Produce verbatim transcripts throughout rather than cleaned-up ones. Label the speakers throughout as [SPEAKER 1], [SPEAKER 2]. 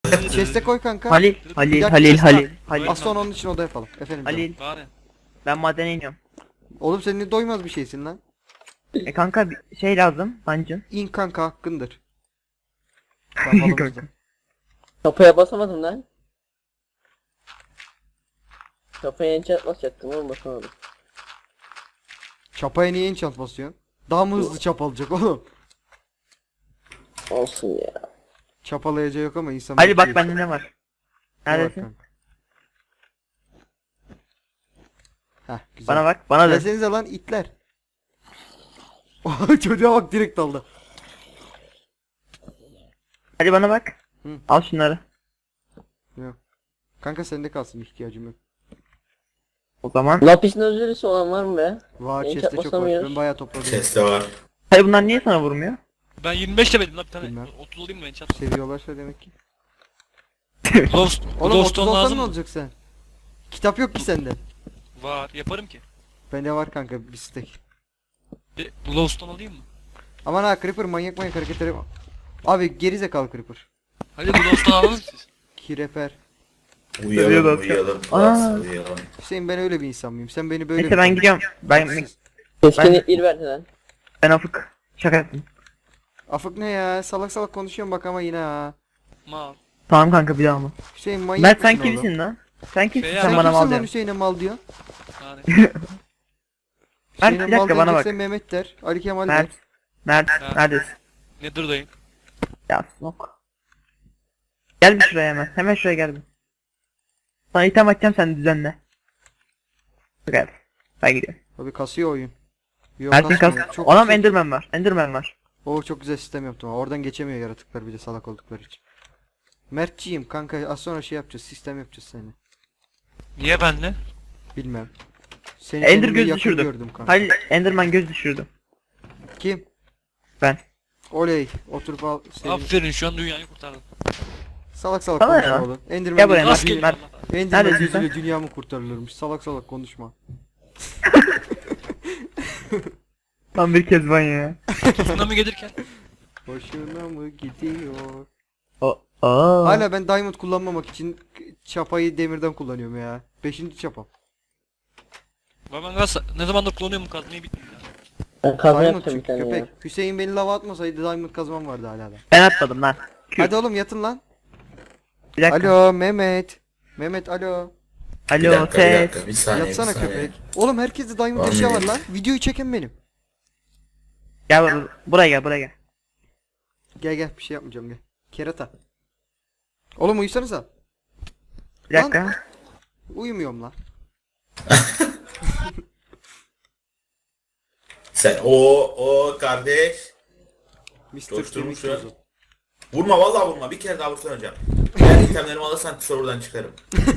[SPEAKER 1] Chest'e koy kanka.
[SPEAKER 2] Halil, Halil,
[SPEAKER 1] dakika,
[SPEAKER 2] Halil,
[SPEAKER 1] chest
[SPEAKER 2] Halil,
[SPEAKER 1] var.
[SPEAKER 2] Halil.
[SPEAKER 1] Az sonra onun için oda yapalım. Efendim canım.
[SPEAKER 2] Halil,
[SPEAKER 3] Bari.
[SPEAKER 2] ben madene iniyorum.
[SPEAKER 1] Oğlum senin ne doymaz bir şeysin lan.
[SPEAKER 2] E kanka bir şey lazım, dungeon.
[SPEAKER 1] İn kanka hakkındır. Yapalım
[SPEAKER 2] Kanka.
[SPEAKER 1] işte.
[SPEAKER 4] Kapıya basamadım lan. Kapıya enchant basacaktım oğlum basamadım.
[SPEAKER 1] Çapaya niye enchant basıyorsun? Daha mı hızlı çapalacak oğlum?
[SPEAKER 4] Olsun ya.
[SPEAKER 1] Çapalayacağı yok ama insan...
[SPEAKER 2] Halil bak
[SPEAKER 1] bekliyor.
[SPEAKER 2] bende ne var?
[SPEAKER 1] Ne var
[SPEAKER 2] Neredesin?
[SPEAKER 1] kanka? Heh güzel.
[SPEAKER 2] Bana bak, bana da.
[SPEAKER 1] Gelsenize lan itler. Oha, çocuğa bak direkt daldı.
[SPEAKER 2] Hadi bana bak.
[SPEAKER 1] Hı.
[SPEAKER 2] Al şunları.
[SPEAKER 1] Yok. Kanka sende kalsın, ihtiyacım yok.
[SPEAKER 2] O zaman.
[SPEAKER 4] Lapis lazulisi olan var mı be?
[SPEAKER 1] Var
[SPEAKER 4] Enchant
[SPEAKER 1] chest'te çok var.
[SPEAKER 4] basamıyoruz.
[SPEAKER 1] Ben bayağı topladım.
[SPEAKER 5] Chest'te var.
[SPEAKER 2] Hayır bunlar niye sana vurmuyor?
[SPEAKER 3] Ben yirmi beş levelim lan bir tane.
[SPEAKER 1] Bilmem.
[SPEAKER 3] otuz olayım mı ben çat?
[SPEAKER 1] Seviyorlarsa demek ki.
[SPEAKER 3] Lost,
[SPEAKER 1] Oğlum otuz
[SPEAKER 3] Glowstone
[SPEAKER 1] olsan
[SPEAKER 3] lazım
[SPEAKER 1] ne
[SPEAKER 3] mı?
[SPEAKER 1] olacak sen? Kitap yok ki sende.
[SPEAKER 3] Var. Yaparım ki.
[SPEAKER 1] Bende var kanka bir stack.
[SPEAKER 3] Bir Glowstone alayım mı?
[SPEAKER 1] Aman ha Creeper manyak manyak hareketleri. Abi gerizekalı Creeper.
[SPEAKER 3] Hadi Glowstone alalım siz.
[SPEAKER 1] Kireper.
[SPEAKER 2] Seviyor
[SPEAKER 5] Uyuyalım
[SPEAKER 2] da-
[SPEAKER 5] uyuyalım.
[SPEAKER 2] Aa.
[SPEAKER 5] Plus uyuyalım.
[SPEAKER 1] Hüseyin ben öyle bir insan mıyım? Sen beni böyle
[SPEAKER 2] Neyse
[SPEAKER 1] mi
[SPEAKER 2] ben
[SPEAKER 1] tanıyorsun?
[SPEAKER 2] gidiyorum. Ben
[SPEAKER 1] Siz-
[SPEAKER 4] Keskinlik bir verdi lan.
[SPEAKER 2] ben afık. Şaka yaptım.
[SPEAKER 1] Afık ne ya? Salak salak konuşuyorum bak ama yine ha.
[SPEAKER 3] Mal.
[SPEAKER 2] Tamam kanka bir daha mı?
[SPEAKER 1] Hüseyin manyak
[SPEAKER 2] Mert sen
[SPEAKER 1] mısın oğlum?
[SPEAKER 2] kimsin lan? Sen kimsin
[SPEAKER 3] Şey
[SPEAKER 2] sen
[SPEAKER 3] ya,
[SPEAKER 2] bana
[SPEAKER 1] Kimsin
[SPEAKER 2] mal
[SPEAKER 1] lan
[SPEAKER 2] diyorsun.
[SPEAKER 1] Hüseyin'e mal diyor?
[SPEAKER 3] Yani.
[SPEAKER 2] Mert,
[SPEAKER 1] Hüseyin'e
[SPEAKER 2] bir dakika,
[SPEAKER 1] mal
[SPEAKER 2] bana
[SPEAKER 1] diyecekse
[SPEAKER 2] bak.
[SPEAKER 1] Mehmet der. Ali Kemal
[SPEAKER 2] Mert.
[SPEAKER 1] der.
[SPEAKER 2] Mert.
[SPEAKER 3] Ha.
[SPEAKER 2] Neredesin?
[SPEAKER 3] Nether'dayım.
[SPEAKER 2] Ya snok. Gel bir şuraya hemen. Hemen şuraya gel bir. Sana item atacağım sen düzenle. Gel. Ben gidiyorum.
[SPEAKER 1] Abi kasıyor oyun. Yok
[SPEAKER 2] Mert'in kas.
[SPEAKER 1] kasmıyor. Çok
[SPEAKER 2] Anam
[SPEAKER 1] kasıyor.
[SPEAKER 2] Enderman var. Enderman var.
[SPEAKER 1] Oo çok güzel sistem yaptım. Oradan geçemiyor yaratıklar bir de salak oldukları için. Mertçiyim kanka, az sonra şey yapacağız, sistem yapacağız seninle.
[SPEAKER 3] Niye benle?
[SPEAKER 1] Bilmem. Seni
[SPEAKER 2] Ender
[SPEAKER 1] kendime
[SPEAKER 2] göz
[SPEAKER 1] yakın
[SPEAKER 2] düşürdüm.
[SPEAKER 1] gördüm kanka.
[SPEAKER 2] Hayır Enderman göz düşürdüm.
[SPEAKER 1] Kim?
[SPEAKER 2] Ben.
[SPEAKER 1] Oley. Oturup al. Senin...
[SPEAKER 3] Aferin şu an dünyayı kurtardım.
[SPEAKER 1] Salak salak
[SPEAKER 2] Bana
[SPEAKER 1] konuşma
[SPEAKER 2] ya.
[SPEAKER 1] oğlum. Enderman,
[SPEAKER 2] Gel buraya,
[SPEAKER 1] gözüyle-
[SPEAKER 2] Mert,
[SPEAKER 3] Rastgele
[SPEAKER 2] Mert.
[SPEAKER 3] Allah.
[SPEAKER 1] Enderman
[SPEAKER 2] Neredesin sen?
[SPEAKER 1] gözüyle dünya mı kurtarılırmış? Salak salak konuşma.
[SPEAKER 2] Tam bir kez ben ya.
[SPEAKER 3] Buna mı gelirken?
[SPEAKER 1] Hoşuna mı gidiyor?
[SPEAKER 2] O. Aa.
[SPEAKER 1] Hala ben diamond kullanmamak için çapayı demirden kullanıyorum ya. Beşinci çapam.
[SPEAKER 3] Ben ben gaz ne zamandır kullanıyorum bu kazmayı bitmiyor ya.
[SPEAKER 4] Ben kazma
[SPEAKER 1] Diamond
[SPEAKER 4] yapacağım bir
[SPEAKER 1] çünkü
[SPEAKER 4] tane
[SPEAKER 1] köpek.
[SPEAKER 4] ya.
[SPEAKER 1] Hüseyin beni lava atmasaydı diamond kazmam vardı hala da.
[SPEAKER 2] Ben atmadım lan. Küt.
[SPEAKER 1] Hadi oğlum yatın lan.
[SPEAKER 2] Bir dakika.
[SPEAKER 1] Alo Mehmet. Mehmet alo.
[SPEAKER 5] Bir
[SPEAKER 2] Alo
[SPEAKER 5] dakika bir
[SPEAKER 2] ses.
[SPEAKER 5] dakika bir saniye
[SPEAKER 1] Yatsana
[SPEAKER 5] bir saniye.
[SPEAKER 1] köpek. Oğlum herkeste diamond
[SPEAKER 5] Tamam,
[SPEAKER 1] eşya var
[SPEAKER 5] Mehmet.
[SPEAKER 1] lan. Videoyu çeken benim.
[SPEAKER 2] Gel bur- buraya gel buraya gel.
[SPEAKER 1] Gel gel bir şey yapmayacağım gel. Kerata. Oğlum uyusanıza.
[SPEAKER 2] Bir dakika.
[SPEAKER 1] Uyumuyorum lan.
[SPEAKER 5] Sen o o kardeş.
[SPEAKER 1] mister
[SPEAKER 5] Coşturmuş
[SPEAKER 1] Kemik
[SPEAKER 5] ya.
[SPEAKER 1] tozu.
[SPEAKER 5] Vurma vallahi vurma. Bir kere daha vursan hocam. Eğer itemlerimi alırsan serverdan çıkarım.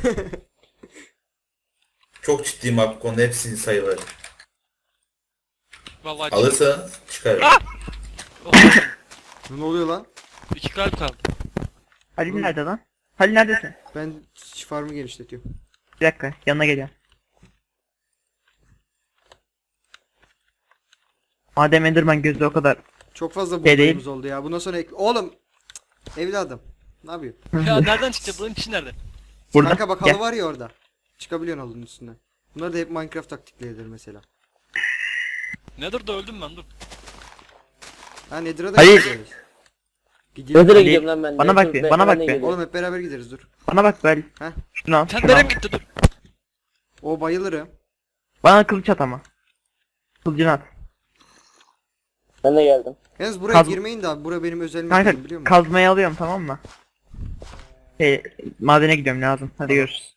[SPEAKER 5] Çok ciddiyim bak bu konuda hepsini sayıları.
[SPEAKER 3] Vallahi
[SPEAKER 5] Alırsan çıkarım.
[SPEAKER 3] Oh,
[SPEAKER 1] Ne oluyor lan?
[SPEAKER 3] iki kalp kaldı.
[SPEAKER 2] Halil nerede lan? Halil neredesin?
[SPEAKER 1] Ben farmı genişletiyorum.
[SPEAKER 2] Bir dakika yanına geliyorum. Madem Enderman gözü o kadar.
[SPEAKER 1] Çok fazla
[SPEAKER 2] Şey değil.
[SPEAKER 1] buğdayımız oldu ya. Bundan sonra ek... Oğlum. Cık, evladım. Ne yapıyorsun?
[SPEAKER 3] Ya nereden çıktı bunun içi nerede?
[SPEAKER 2] Burada.
[SPEAKER 1] Kanka bak
[SPEAKER 2] Gel.
[SPEAKER 1] halı var ya orada. Çıkabiliyorsun halının üstüne. Bunlar da hep Minecraft taktikleridir mesela.
[SPEAKER 3] Nether'da öldüm ben dur.
[SPEAKER 1] Ha Nether'a da
[SPEAKER 2] Hayır.
[SPEAKER 1] gideriz. Gidiyor.
[SPEAKER 4] Nether'a
[SPEAKER 2] Halil,
[SPEAKER 4] gidiyorum lan ben.
[SPEAKER 2] bana bak
[SPEAKER 4] Nether-
[SPEAKER 2] bir,
[SPEAKER 4] ben-
[SPEAKER 2] bana
[SPEAKER 4] ben
[SPEAKER 2] bak
[SPEAKER 4] de
[SPEAKER 2] bir.
[SPEAKER 4] geliyorum.
[SPEAKER 1] Oğlum hep beraber gideriz dur.
[SPEAKER 2] Bana bak böyle.
[SPEAKER 1] Heh.
[SPEAKER 2] Şunu al. Şunu al.
[SPEAKER 3] Tenderem gitti dur.
[SPEAKER 1] O bayılırım.
[SPEAKER 2] Bana kılıç at ama. Kılıcını at.
[SPEAKER 4] Ben de geldim.
[SPEAKER 1] Yalnız buraya
[SPEAKER 2] Kaz-
[SPEAKER 1] girmeyin de abi. Bura benim özel
[SPEAKER 2] Kanka
[SPEAKER 1] mekanım biliyor musun?
[SPEAKER 2] kazmayı alıyorum tamam mı? Şey, madene gidiyorum lazım. Hadi görüşürüz.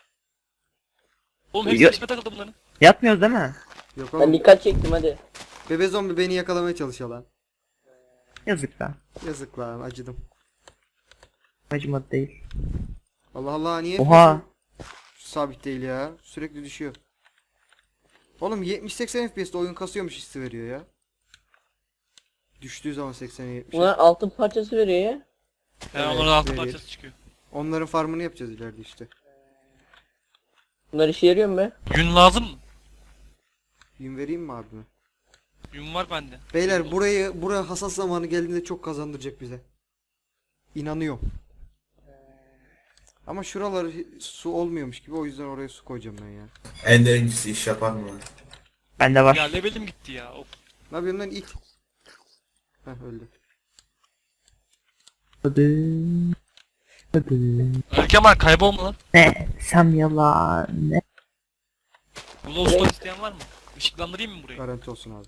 [SPEAKER 3] Oğlum hepsi
[SPEAKER 2] Yo-
[SPEAKER 3] içime takıldı bunların.
[SPEAKER 2] Yatmıyoruz değil mi?
[SPEAKER 1] Yok
[SPEAKER 4] Ben
[SPEAKER 1] oğlum.
[SPEAKER 4] dikkat çektim hadi.
[SPEAKER 1] Bebe zombi beni yakalamaya çalışıyor lan.
[SPEAKER 2] Yazık lan.
[SPEAKER 1] Yazık lan acıdım.
[SPEAKER 2] Acımadı değil.
[SPEAKER 1] Allah Allah niye
[SPEAKER 2] Oha.
[SPEAKER 1] yapıyorsun? Sabit değil ya. Sürekli düşüyor. Oğlum yetmiş seksen F P S'te oyun kasıyormuş hissi veriyor ya. Düştüğü zaman seksene yetmiş.
[SPEAKER 4] Bunlar altın parçası veriyor ya.
[SPEAKER 3] He
[SPEAKER 1] Evet,
[SPEAKER 3] onların altı
[SPEAKER 1] veriyor.
[SPEAKER 3] parçası çıkıyor.
[SPEAKER 1] Onların farmını yapacağız ileride işte.
[SPEAKER 4] Bunlar işe yarıyor mu be?
[SPEAKER 3] Yün lazım mı?
[SPEAKER 1] Yün vereyim mi abime?
[SPEAKER 3] Yün var bende.
[SPEAKER 1] Beyler burayı buraya hassas zamanı geldiğinde çok kazandıracak bize. İnanıyorum. Ama şuralar su olmuyormuş gibi, o yüzden oraya su koyacağım ben ya.
[SPEAKER 5] Ender incisi iş yapar mı lan?
[SPEAKER 2] Bende var.
[SPEAKER 3] Ya levelim gitti ya. Of.
[SPEAKER 1] Ne yapıyorsun lan it? Heh öldü.
[SPEAKER 2] Hadi. Hadi.
[SPEAKER 3] Ali Kemal kaybolma lan.
[SPEAKER 2] Ne? Sam yalan. Ne?
[SPEAKER 3] Glowstone isteyen var mı? Işıklandırayım mı burayı?
[SPEAKER 1] Garanti olsun abi.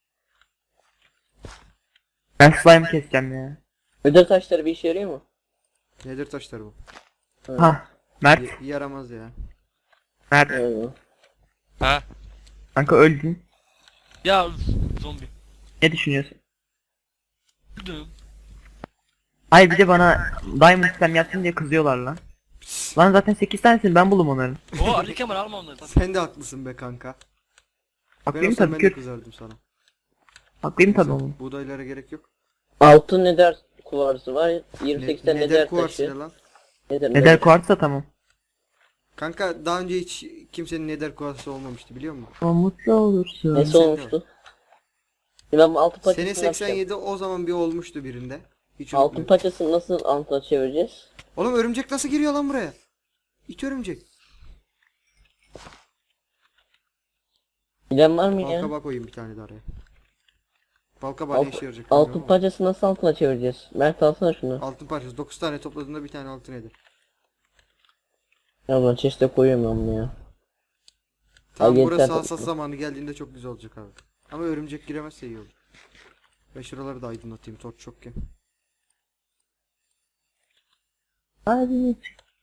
[SPEAKER 2] Ben slime keseceğim ya.
[SPEAKER 4] Ödül taşları bir işe yarıyor mu?
[SPEAKER 1] Nedir taşları bu?
[SPEAKER 2] Ha. Mert.
[SPEAKER 1] Y- yaramaz ya.
[SPEAKER 2] Mert.
[SPEAKER 4] Evet.
[SPEAKER 3] Ha?
[SPEAKER 2] Kanka öldün.
[SPEAKER 3] Ya zombi.
[SPEAKER 2] Ne düşünüyorsun?
[SPEAKER 3] Öldüm.
[SPEAKER 2] Ay bir de bana diamond slime yapsın diye kızıyorlar lan. Lan zaten sekiz tanesini ben buldum onların.
[SPEAKER 3] O Ali Kemal alma onları. Tabii.
[SPEAKER 1] Sen de haklısın be kanka. Ben
[SPEAKER 2] Haklıyım
[SPEAKER 1] olsam
[SPEAKER 2] tabii
[SPEAKER 1] ben de
[SPEAKER 2] kür.
[SPEAKER 1] kızardım sana.
[SPEAKER 2] Haklıyım tabii
[SPEAKER 1] Neyse,
[SPEAKER 2] oğlum.
[SPEAKER 1] buğdaylara gerek yok.
[SPEAKER 4] Altın neder kuvarsı var.
[SPEAKER 1] Ne,
[SPEAKER 4] yirmi sekiz tane
[SPEAKER 1] neder
[SPEAKER 4] neder
[SPEAKER 1] kuvarsı ne
[SPEAKER 4] taşı.
[SPEAKER 1] lan?
[SPEAKER 4] Neder,
[SPEAKER 2] Neder kuartsa tamam.
[SPEAKER 1] Kanka daha önce hiç kimsenin neder kuvarsı olmamıştı biliyor musun?
[SPEAKER 2] Ama mutlu olursun.
[SPEAKER 4] Nesi
[SPEAKER 1] Sen de
[SPEAKER 4] olmuştu? Ben altın paçasını
[SPEAKER 1] Sene
[SPEAKER 4] yapacağım.
[SPEAKER 1] seksen yedi o zaman bir olmuştu birinde. Hiç
[SPEAKER 4] Altın
[SPEAKER 1] unutmuyorum.
[SPEAKER 4] paçasını nasıl altına çevireceğiz?
[SPEAKER 1] Oğlum örümcek nasıl giriyor lan buraya? İt örümcek.
[SPEAKER 4] Bilen var mı ya?
[SPEAKER 1] Balkabak koyayım bir tane de araya. Balkabak ne
[SPEAKER 4] Alt,
[SPEAKER 1] işe yarayacak?
[SPEAKER 4] altın
[SPEAKER 1] bilmiyorum ama.
[SPEAKER 4] paçasını nasıl altına çevireceğiz? Mert alsana şunu.
[SPEAKER 1] Altın parçası dokuz tane topladığında bir tane altın eder.
[SPEAKER 4] Ya ben çeşite koyuyorum ben bunu ya.
[SPEAKER 1] Tamam
[SPEAKER 4] Ay,
[SPEAKER 1] burası
[SPEAKER 4] yeter.
[SPEAKER 1] hassas zamanı geldiğinde çok güzel olacak abi. Ama örümcek giremezse iyi olur. Ben şuraları da aydınlatayım torç çokken.
[SPEAKER 2] Hadi.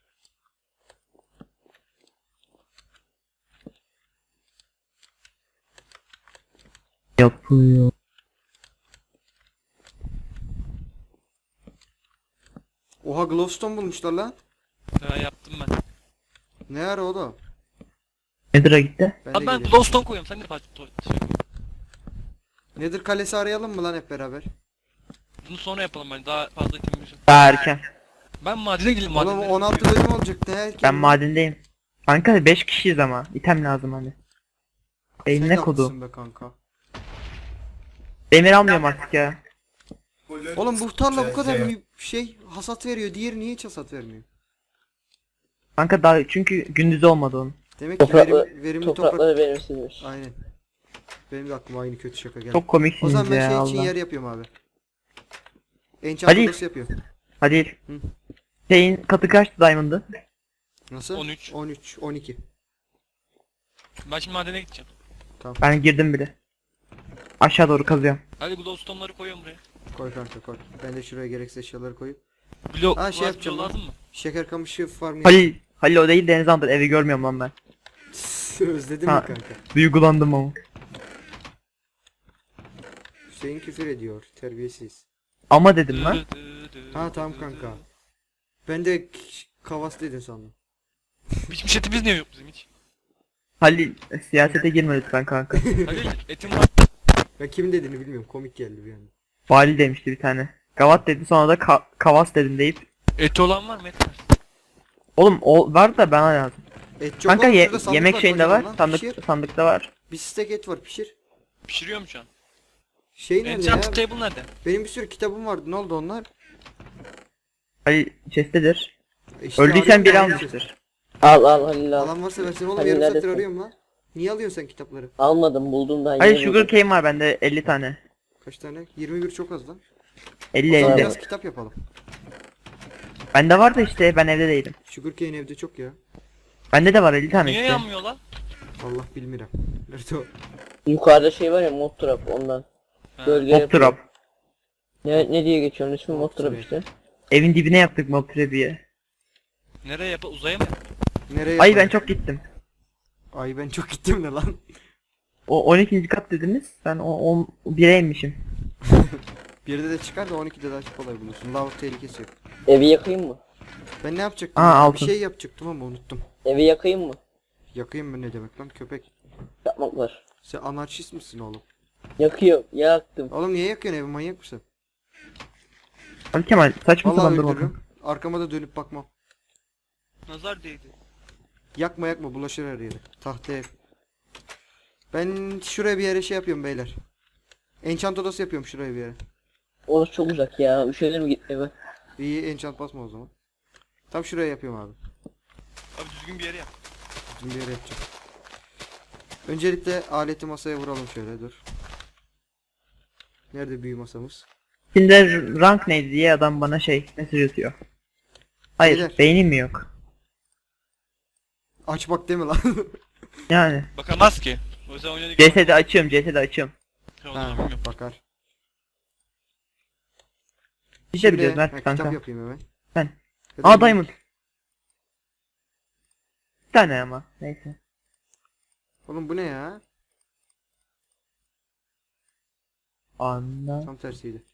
[SPEAKER 2] Yapıyor.
[SPEAKER 1] Oha glowstone bulmuşlar lan.
[SPEAKER 3] Ha yaptım ben.
[SPEAKER 1] Ne ara o da?
[SPEAKER 2] Nedir'a gitti?
[SPEAKER 1] Ben
[SPEAKER 3] Abi
[SPEAKER 1] de
[SPEAKER 3] ben
[SPEAKER 1] geleyim.
[SPEAKER 3] glowstone koyuyorum. Sen de parça to- şey.
[SPEAKER 1] Nedir kalesi arayalım mı lan hep beraber?
[SPEAKER 3] Bunu sonra yapalım ben. Daha fazla itemimiz yok.
[SPEAKER 2] Daha erken.
[SPEAKER 3] Ben madene gideyim
[SPEAKER 1] Oğlum
[SPEAKER 3] madene.
[SPEAKER 1] on altı bölüm olacak ne erken.
[SPEAKER 2] Ben madendeyim. Kanka beş kişiyiz ama. İtem lazım hani.
[SPEAKER 1] Sen
[SPEAKER 2] Beynine
[SPEAKER 1] de
[SPEAKER 2] kodu.
[SPEAKER 1] haklısın be kanka.
[SPEAKER 2] Demir almıyorum artık ya.
[SPEAKER 1] Oğlum bu tarla bu kadar
[SPEAKER 5] Şey-
[SPEAKER 1] bir şey hasat veriyor. Diğeri niye hiç hasat vermiyor?
[SPEAKER 2] Kanka daha çünkü gündüz olmadı onun.
[SPEAKER 1] Demek ki
[SPEAKER 4] Toprakla,
[SPEAKER 1] verim, verimli toprak.
[SPEAKER 4] toprakları verimsizmiş.
[SPEAKER 1] Aynen. Benim de aklıma aynı kötü şaka geldi.
[SPEAKER 2] Çok
[SPEAKER 1] O
[SPEAKER 2] komiksiniz
[SPEAKER 1] zaman ben
[SPEAKER 2] ya
[SPEAKER 1] şey için
[SPEAKER 2] Allah.
[SPEAKER 1] yer yapıyorum abi. Enchant
[SPEAKER 2] Hadi.
[SPEAKER 1] odası yapıyorum.
[SPEAKER 2] Hadi.
[SPEAKER 1] Hı.
[SPEAKER 2] Şeyin katı kaçtı Diamond'ı?
[SPEAKER 1] Nasıl?
[SPEAKER 3] on üç.
[SPEAKER 1] on üç, on iki.
[SPEAKER 3] Ben şimdi madene gideceğim.
[SPEAKER 2] Ben girdim bile. Aşağı doğru kazıyorum.
[SPEAKER 3] Hadi glowstone'ları koyuyorum buraya.
[SPEAKER 1] Koy kanka koy. Ben de şuraya gereksiz eşyaları koyup.
[SPEAKER 3] Blok
[SPEAKER 1] Ha, şey
[SPEAKER 3] var,
[SPEAKER 1] yapacağım
[SPEAKER 3] blok
[SPEAKER 1] lan.
[SPEAKER 3] lazım mı?
[SPEAKER 1] Şeker kamışı farmı
[SPEAKER 2] Halil. Halil o değil Deniz Andır. Evi görmüyorum lan ben.
[SPEAKER 1] Özledin
[SPEAKER 2] Ha.
[SPEAKER 1] mi kanka?
[SPEAKER 2] Duygulandım ama.
[SPEAKER 1] Hüseyin küfür ediyor. Terbiyesiz.
[SPEAKER 2] Ama dedim lan.
[SPEAKER 1] Ha tamam kanka. Ben de k- kavas dedin sandım.
[SPEAKER 3] Pişmiş etimiz niye yok bizim hiç?
[SPEAKER 2] Halil siyasete girme lütfen kanka.
[SPEAKER 3] Halil etim var.
[SPEAKER 1] Ben kimin dediğini bilmiyorum. Komik geldi bir anda.
[SPEAKER 2] Vali demişti bir tane. Gavat dedi sonra da ka- kavas dedim deyip.
[SPEAKER 3] Eti olan var mı? Et var.
[SPEAKER 2] Oğlum o var da bana lazım.
[SPEAKER 1] Et çok
[SPEAKER 2] Kanka
[SPEAKER 1] oğlum,
[SPEAKER 2] ye-
[SPEAKER 1] şurada sandık
[SPEAKER 2] yemek şeyinde
[SPEAKER 1] kocaman
[SPEAKER 2] var.
[SPEAKER 1] lan.
[SPEAKER 2] Sandık
[SPEAKER 1] Pişir.
[SPEAKER 2] sandıkta var.
[SPEAKER 1] Bir stek et var pişir.
[SPEAKER 3] Pişiriyorum şu an.
[SPEAKER 1] Şey nerede ya?
[SPEAKER 3] Enchanted table nerede?
[SPEAKER 1] Benim bir sürü kitabım vardı. Ne oldu onlar?
[SPEAKER 2] Halil chest'tedir.
[SPEAKER 1] E işte
[SPEAKER 2] Öldüysen
[SPEAKER 1] arıyorum
[SPEAKER 2] biri
[SPEAKER 1] ben.
[SPEAKER 2] almıştır.
[SPEAKER 4] Al al Halil al.
[SPEAKER 1] Alan varsa versin oğlum,
[SPEAKER 4] Hani
[SPEAKER 1] yarım saattir
[SPEAKER 4] neredesin?
[SPEAKER 1] arıyorum lan. Niye alıyorsun sen kitapları?
[SPEAKER 4] Almadım buldum daha
[SPEAKER 2] Halil
[SPEAKER 4] yeni
[SPEAKER 2] sugar
[SPEAKER 4] buldum.
[SPEAKER 2] cane var bende elli tane.
[SPEAKER 1] Kaç tane? yirmi bir çok az lan.
[SPEAKER 2] elli
[SPEAKER 1] Sonra
[SPEAKER 2] elli.
[SPEAKER 1] biraz kitap yapalım.
[SPEAKER 2] Bende var da işte ben evde değilim.
[SPEAKER 1] Sugarcane evde çok ya.
[SPEAKER 2] Bende de var elli tane
[SPEAKER 3] Niye
[SPEAKER 2] işte.
[SPEAKER 3] yanmıyor lan?
[SPEAKER 1] Allah bilmiyorum. Nerede o?
[SPEAKER 4] Yukarıda şey var ya mod trap ondan.
[SPEAKER 3] Ha.
[SPEAKER 4] Gölge
[SPEAKER 2] Mob
[SPEAKER 4] yapıyor.
[SPEAKER 2] trap.
[SPEAKER 4] Ne, ne diye geçiyor onun ismi mod
[SPEAKER 1] Mob
[SPEAKER 4] trap
[SPEAKER 1] trap.
[SPEAKER 4] işte.
[SPEAKER 2] Evin dibine yaptık mob trap'iyi.
[SPEAKER 3] Nereye yap? Uzaya mı?
[SPEAKER 1] Nereye
[SPEAKER 2] Ay ben
[SPEAKER 1] yapalım?
[SPEAKER 2] çok gittim.
[SPEAKER 1] Ay ben çok gittim ne lan?
[SPEAKER 2] O on ikinci kat dediniz. Ben o on bire inmişim.
[SPEAKER 1] Birde de çıkar da on ikide daha çok kolay bulursun. Lav tehlikesi yok.
[SPEAKER 4] Evi yakayım mı?
[SPEAKER 1] Ben ne yapacaktım?
[SPEAKER 2] Aa,
[SPEAKER 1] ya?
[SPEAKER 2] altın.
[SPEAKER 1] Bir şey yapacaktım ama unuttum.
[SPEAKER 4] Evi yakayım mı?
[SPEAKER 1] Yakayım mı ne demek lan köpek?
[SPEAKER 4] Yapmak var.
[SPEAKER 1] Sen anarşist misin oğlum?
[SPEAKER 4] Yakıyor. Yaktım.
[SPEAKER 1] Oğlum niye yakıyorsun evi, manyak mısın?
[SPEAKER 2] Ali Kemal saçma
[SPEAKER 1] Vallahi
[SPEAKER 2] sapan durma.
[SPEAKER 1] öldürürüm. Arkama da dönüp bakmam.
[SPEAKER 3] Nazar değdi.
[SPEAKER 1] Yakma yakma bulaşır her yere. Tahta ev. Ben şuraya bir yere şey yapıyorum beyler. Enchant odası yapıyorum şuraya bir yere.
[SPEAKER 4] Orası çok uzak ya. Üşenir mi git eve?
[SPEAKER 1] İyi enchant basma o zaman. Tam şuraya yapıyorum abi.
[SPEAKER 3] Abi düzgün bir yere yap.
[SPEAKER 1] Düzgün bir yere yapacağım. Öncelikle aleti masaya vuralım şöyle dur. Nerede büyü masamız?
[SPEAKER 2] Şimdi rank neydi diye adam bana şey mesaj atıyor. Hayır
[SPEAKER 1] Beyler.
[SPEAKER 2] beynim mi yok?
[SPEAKER 1] Aç bak deme lan.
[SPEAKER 2] Yani
[SPEAKER 3] Bakamaz ki. O yüzden oynadık.
[SPEAKER 2] C S'de açıyorum C S'de açıyorum.
[SPEAKER 3] Ha, o
[SPEAKER 1] Ha,
[SPEAKER 3] zaman bilmiyorum.
[SPEAKER 1] bakar.
[SPEAKER 2] Bir şey
[SPEAKER 1] Şimdi,
[SPEAKER 2] biliyoruz
[SPEAKER 1] ha,
[SPEAKER 2] Mert
[SPEAKER 1] kitap
[SPEAKER 2] kanka.
[SPEAKER 1] yapayım hemen.
[SPEAKER 2] Ben.
[SPEAKER 1] Ya da
[SPEAKER 2] Aa
[SPEAKER 1] bir-
[SPEAKER 2] diamond. Bir tane ama neyse.
[SPEAKER 1] Oğlum bu ne ya?
[SPEAKER 2] Anla.
[SPEAKER 1] Tam tersiydi.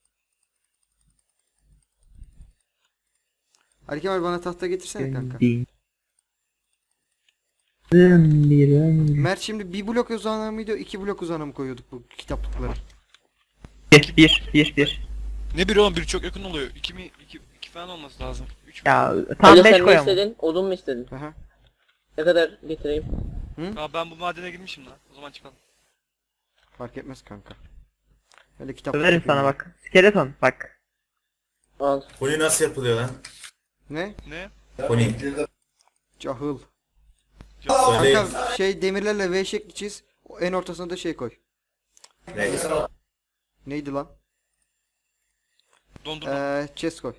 [SPEAKER 1] Ali Kemal bana tahta getirsene kanka.
[SPEAKER 2] Din. Bir ömür.
[SPEAKER 1] Mert şimdi bir blok uzağına mıydı, iki blok uzağına mı koyuyorduk bu kitaplıkları?
[SPEAKER 2] Bir bir bir bir.
[SPEAKER 3] Ne biri oğlum, biri çok yakın oluyor. İki mi? İki, iki falan olması lazım. Üç mü?
[SPEAKER 2] Ya tam
[SPEAKER 4] Ali
[SPEAKER 2] beş
[SPEAKER 4] sen ne
[SPEAKER 2] koyamam.
[SPEAKER 4] istedin? Odun mu istedin?
[SPEAKER 1] Aha.
[SPEAKER 4] Ne kadar getireyim?
[SPEAKER 3] Aa, ben bu madene girmişim lan. O zaman çıkalım.
[SPEAKER 1] Fark etmez kanka. Öyle kitap.
[SPEAKER 2] Överim sana bak. Skeleton bak.
[SPEAKER 4] Al.
[SPEAKER 5] Pony nasıl yapılıyor lan?
[SPEAKER 1] Ne?
[SPEAKER 3] Ne?
[SPEAKER 5] Pony.
[SPEAKER 1] Cahıl.
[SPEAKER 5] Söyleyin.
[SPEAKER 1] Kanka şey demirlerle V şekli çiz. o En ortasına da şey koy.
[SPEAKER 5] Neyse.
[SPEAKER 1] Neydi lan?
[SPEAKER 3] Dondurma.
[SPEAKER 1] Eee chest koy.